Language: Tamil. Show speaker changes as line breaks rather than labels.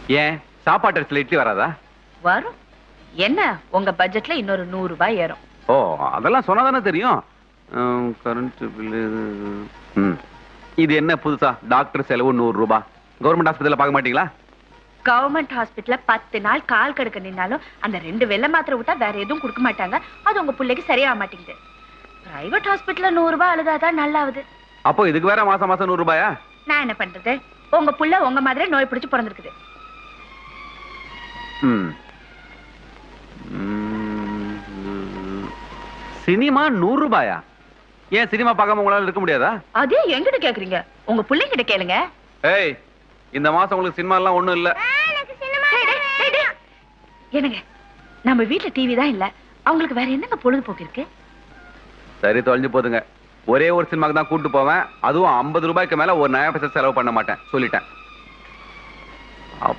ஏன் சாப்பாட்டு அரிசில இட்லி வராதா?
வரும். என்ன உங்க பட்ஜெட்ல இன்னொரு 100 ரூபாய் ஏறும்.
ஓ அதெல்லாம் சொன்னாதானே தெரியும். Current bill. இது என்ன புதுசா டாக்டர் செலவு 100 ரூபாய்? கவர்மெண்ட் ஹாஸ்பிட்டல்ல பார்க்க மாட்டீங்களா?
கவர்மெண்ட் ஹாஸ்பிட்டல்ல 10 நாள் கால் கடுக்க நின்னாலும் அந்த 2 வெள்ளை மாத்திரை விட்டா வேற எதுவும் கொடுக்க மாட்டாங்க. அது உங்க பிள்ளைக்கு சரியாக மாட்டேங்குது. பிரைவேட் ஹாஸ்பிட்டல்ல 100 ரூபாய் அழுதாதான் நல்லாவுது.
அப்போ இதுக்கு வேற மாசம் மாசம் 100 ரூபாயா?
நான் என்ன பண்றது? உங்க புள்ள உங்க மாதிரி நோய் பிடிச்சு பிறந்திருக்குது.
சினிமா 100 ரூபாயா? ஏன் சினிமா பார்க்காம உங்களால இருக்க முடியாதா?
அதே எங்கிட்ட கேக்குறீங்க? உங்க பிள்ளைங்கிட்ட கேளுங்க.
ஏய் இந்த மாசம் உங்களுக்கு சினிமா எல்லாம் ஒண்ணும் இல்ல.
என்னங்க நம்ம வீட்டுல டிவி தான் இல்ல, அவங்களுக்கு வேற என்னங்க பொழுதுபோக்கு இருக்கு?
சரி தொலைஞ்சு போதுங்க. ஒரே ஒரு சினிமாக்கு தான் கூட்டு போவேன். அதுவும் 50 ரூபாய்க்கு மேல ஒரு நயா பைசா செலவு பண்ண மாட்டேன் சொல்லிட்டேன்.